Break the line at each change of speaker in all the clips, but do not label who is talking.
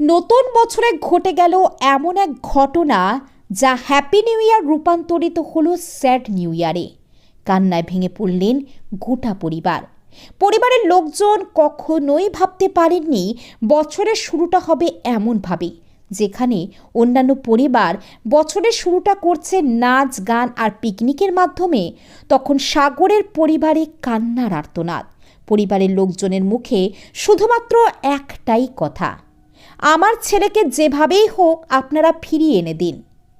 নতুন বছরে ঘটে গেল এমন এক ঘটনা যা হ্যাপি নিউ ইয়ার রূপান্তরিত হলো স্যাড নিউ ইয়ারে। কান্নায় ভেঙে পড়লেন গোটা পরিবারের লোকজন কখনোই ভাবতে পারেননি বছরের শুরুটা হবে এমনভাবে, যেখানে অন্যান্য পরিবার বছরের শুরুটা করছে নাচ গান আর পিকনিকের মাধ্যমে, তখন সাগরের পরিবারে কান্নার আর্তনাদ। পরিবারের লোকজনের মুখে শুধুমাত্র একটাই কথা, আমার ছেলেকে যেভাবেই হোক আপনারা ফিরিয়ে এনে দিন।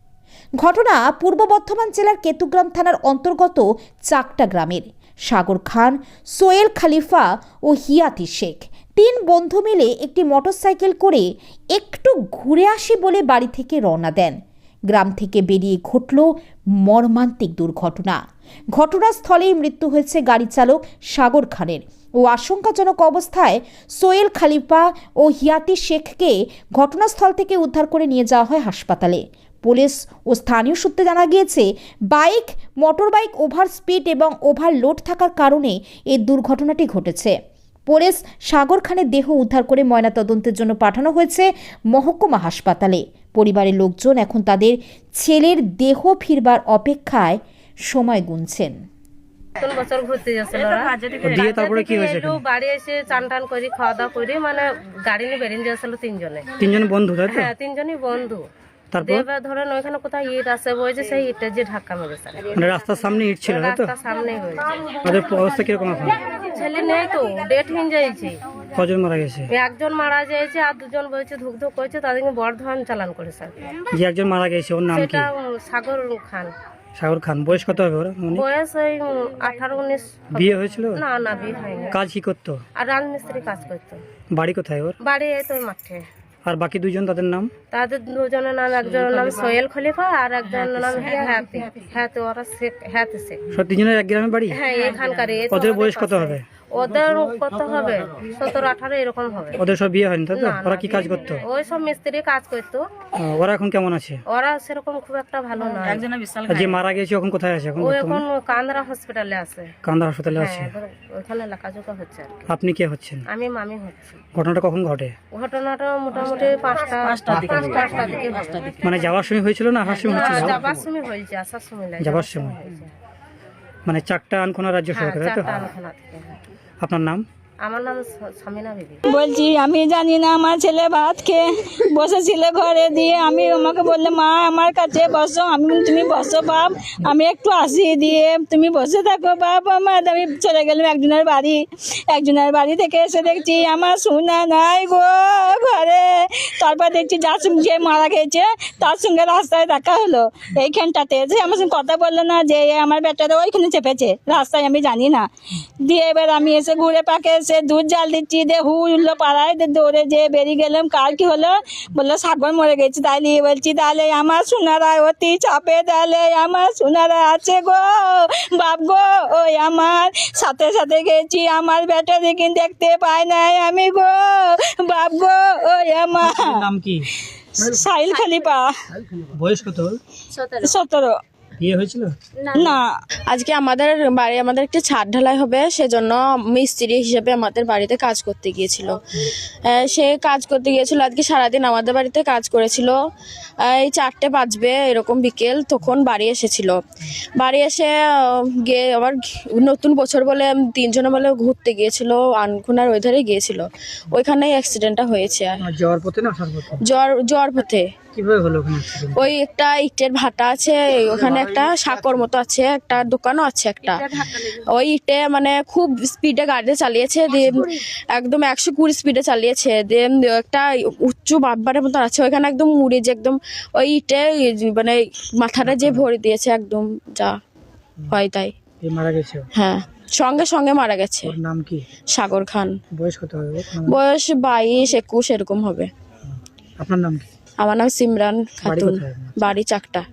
ঘটনা পূর্ব বর্ধমান জেলার কেতুগ্রাম থানার অন্তর্গত চাকটা গ্রামের। সাগর খান, সোহেল খলিফা ও হিয়াতি শেখ তিন বন্ধু মিলে একটি মোটরসাইকেল করে একটু ঘুরে আসি বলে বাড়ি থেকে রওনা দেন। গ্রাম থেকে বেরিয়ে ঘটল মর্মান্তিক দুর্ঘটনা। ঘটনাস্থলেই মৃত্যু হয়েছে গাড়ি চালক সাগর খানের ও আশঙ্কাজনক অবস্থায় সোহেল খলিফা ও হিয়াতি শেখকে ঘটনাস্থল থেকে উদ্ধার করে নিয়ে যাওয়া হয় হাসপাতালে। পুলিশ ও স্থানীয় সূত্রে জানা গিয়েছে, মোটরবাইক ওভার স্পিড এবং ওভারলোড থাকার কারণে এই দুর্ঘটনাটি ঘটেছে। পুলিশ সাগর খানের দেহ উদ্ধার করে ময়নাতদন্তের জন্য পাঠানো হয়েছে মহকুমা হাসপাতালে। পরিবারের লোকজন এখন তাদের ছেলের দেহ ফিরবার অপেক্ষায় সময় গুনছেন।
নতুন বছর ঘুরতে যাচ্ছিল
দিয়ে তারপরে কি হয়েছে?
বাড়ি এসে চান টান করে খাওয়া দাওয়া করে মানে গাড়ি নিয়ে বেরিয়ে যাচ্ছিল
তিনজন বন্ধু, তাই তো?
হ্যাঁ, তিনজনই বন্ধু।
তারপর
এবার ধরেন ওইখানে কোথায় ইট আছে, বলছে সেই ইটের যে ধাক্কা মেরেছে।
মানে রাস্তার সামনে ইট ছিল, তাই তো?
রাস্তার সামনেই হয়েছে।
ওদের অবস্থা কিরকম এখন?
ছেলে নেই তো, ডেট হয়ে যাইছে।
কজন মারা গেছে?
একজন মারা যাইছে আর দুজন বলছে ধুক ধুক করছে, তাদেরকে বর্ধমান চালান করেছে।
যে একজন মারা গেছে ওর নাম কি?
সেটা সাগর খান।
সাগর খান। বয়স কত হবে ওর?
বয়স ওই 18-19।
বিয়ে হয়েছিল?
না বিয়ে হয়নি।
কাজ কি করতো?
আর রাজমিস্ত্রি কাজ করতো।
বাড়ি কোথায় ওর?
বাড়ি এই তো মাঠে।
আর বাকি দুজন, তাদের নাম?
তাদের দুজনের নাম, একজনের নাম সোহেল খলিফা আর একজনের নাম হ্যাতে। ওরা হ্যাতে শেখ।
সব তিনজনের এক গ্রামে বাড়ি?
হ্যাঁ, এখানকার।
ওদের বয়স কত হবে?
ওদের কত হবে? 17-18 এরকম হবে।
ওদের সব বিয়ে হয়নি, তাই তো? ওরা কি কাজ করতো?
ওই সব মিস্ত্রি কাজ করতো।
ওরা এখন কেমন আছে?
ওরা সেরকম খুব একটা ভালো না।
আর যে মারা গেছে এখন কোথায় আছে?
ও এখন কান্দরা হসপিটালে আছে।
কান্দা হাসপাতালে আছে।
ওখানে লেখাজোখা হচ্ছে আর কি।
আপনি কে হচ্ছেন?
আমি মামি হচ্ছি।
ঘটনাটা কখন ঘটে?
ঘটনাটা মোটামুটি 5টা দিকে।
মানে যাওয়ার সময় হয়েছিল না আসার সময় হয়েছিল?
যাবার সময় হয়েছে, আসার সময় লাগে।
যাবার সময়। মানে চাকটা আনখোনা রাজ্য সরকার, তাই তো? আপনার নাম?
আমার নাম সামিনা বিবি।
বলছি আমি জানি না, আমার ছেলে ভাত খেয়ে বসেছিল ঘরে, দিয়ে আমি আমাকে বললে মা আমার কাছে বসো। আমি বলি তুমি বসো বাপ, আমি একটু আসি, দিয়ে তুমি বসে থাকো বাপ আমার। আমি চলে গেলাম একজনের বাড়ি থেকে এসে দেখছি আমার সোনা নাই গো ঘরে। তারপর দেখছি যে মারা গেছে তার সঙ্গে রাস্তায় দেখা হলো এইখানটাতে, যে আমার সঙ্গে কথা বললো না যে আমার বেটারা ওইখানে চেপেছে রাস্তায়, আমি জানি না। দিয়ে এবার আমি এসে ঘুরে পাকে এসে দুধ জাল দিচ্ছি, দিয়ে উঠলো পাড়ায়, দৌড়ে যেয়ে বেরিয়ে গেলাম। কার কি হলো? বললো সাগর মরে গেছে। তাইলে বলছি তাহলে আমার সোনারা অতি চাপে, তাহলে আমার সোনারা আছে গো বাপ গো। ওই আমার সাথে সাথে গেছি, আমার বেটা দেখি দেখতে পাই নাই আমি গো বাপ গো। ওই আমার
নাম কি?
সাহিল খলিফা।
বয়স কত?
17।
বিয়ে হয়েছিল
না।
আজকে আমাদের একটা ছাদ ঢালাই হবে, সেজন্য মিস্ত্রি হিসেবে আমাদের বাড়িতে কাজ করতে গিয়েছিল। সে কাজ করতে গিয়েছিল আজকে সারাদিন আমাদের বাড়িতে কাজ করেছিল। এই 4টে বাজবে এরকম বিকেল, তখন বাড়ি এসেছিল। বাড়ি এসে গিয়ে আবার নতুন বছর বলে 3 জনে বলে ঘুরতে গিয়েছিল, আনখোনার ওই ধারে গিয়েছিল। ওইখানেই অ্যাক্সিডেন্টটা হয়েছে।
যাওয়ার পথে না আসার পথে?
যাওয়ার পথে।
কিভাবে হলো ওখানে?
ওই একটা ইটের ভাটা আছে, ওখানে একটা সাঁকর মতো আছে, একটা দোকানও আছে একটা। ওই ইটে মানে খুব স্পিডে গাড়ি চালিয়েছে, দিয়ে একদম 120 স্পিডে চালিয়েছে। দিয়ে একটা উঁচু বাব্বারের মতো আছে, ওইখানে একদম মুড়ে যে একদম ওই ইটে মানে মাথাটা যে ভরে দিয়েছে, একদম যা হয় তাই।
মারা গেছে?
হ্যাঁ, সঙ্গে সঙ্গে মারা গেছে।
ওর নাম কি?
সাগর খান।
বয়স কত হবে?
বয়স 22-21 এরকম হবে।
আপনার নাম কি?
আমার নাম সিমরান খাতুন, বাড়ি চাকটা।